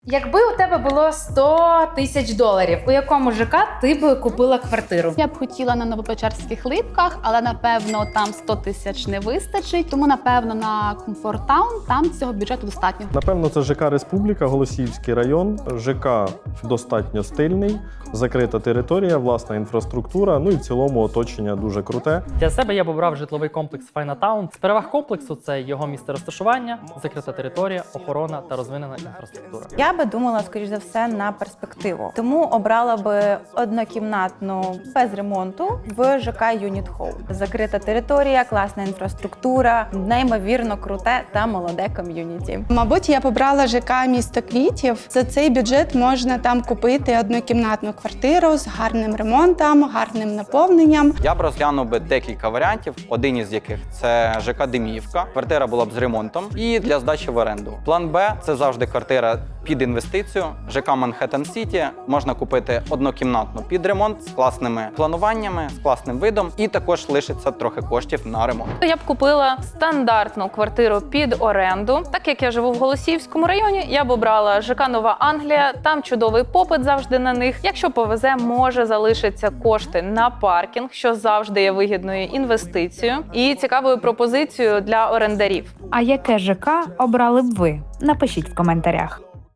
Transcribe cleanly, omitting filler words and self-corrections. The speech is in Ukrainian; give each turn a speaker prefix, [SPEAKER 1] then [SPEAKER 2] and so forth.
[SPEAKER 1] Якби у тебе було 100 тисяч доларів, у якому ЖК ти б купила квартиру?
[SPEAKER 2] Я б хотіла на Новопечерських Липках, але напевно там 100 тисяч не вистачить. Тому напевно на Комфорт Таун там цього бюджету достатньо.
[SPEAKER 3] Напевно, це ЖК Республіка, Голосіївський район. ЖК достатньо стильний, закрита територія, власна інфраструктура, ну і в цілому оточення дуже круте.
[SPEAKER 4] Для себе я б обрав житловий комплекс Файнатаун. З переваг комплексу це його місце розташування, закрита територія, охорона та розвинена інфраструктура.
[SPEAKER 5] Я би думала, скоріш за все, на перспективу. Тому обрала би однокімнатну без ремонту в ЖК Юніт Хоум. Закрита територія, класна інфраструктура, неймовірно круте та молоде ком'юніті.
[SPEAKER 6] Мабуть, я б обрала ЖК «Місто квітів». За цей бюджет можна там купити однокімнатну квартиру з гарним ремонтом, гарним наповненням.
[SPEAKER 7] Я б розглянув би декілька варіантів, один із яких це ЖК Деміївка. Квартира була б з ремонтом і для здачі в оренду. План Б – це завжди квартира під інвестицію. ЖК Манхеттен Сіті можна купити однокімнатну під ремонт з класними плануваннями, з класним видом, і також лишиться трохи коштів на ремонт.
[SPEAKER 8] Я б купила стандартну квартиру під оренду. Так як я живу в Голосіївському районі, я б обрала ЖК Нова Англія, там чудовий попит завжди на них. Якщо повезе, може залишиться кошти на паркінг, що завжди є вигідною інвестицією і цікавою пропозицією для орендарів.
[SPEAKER 1] А яке ЖК обрали б ви? Напишіть в коментарях.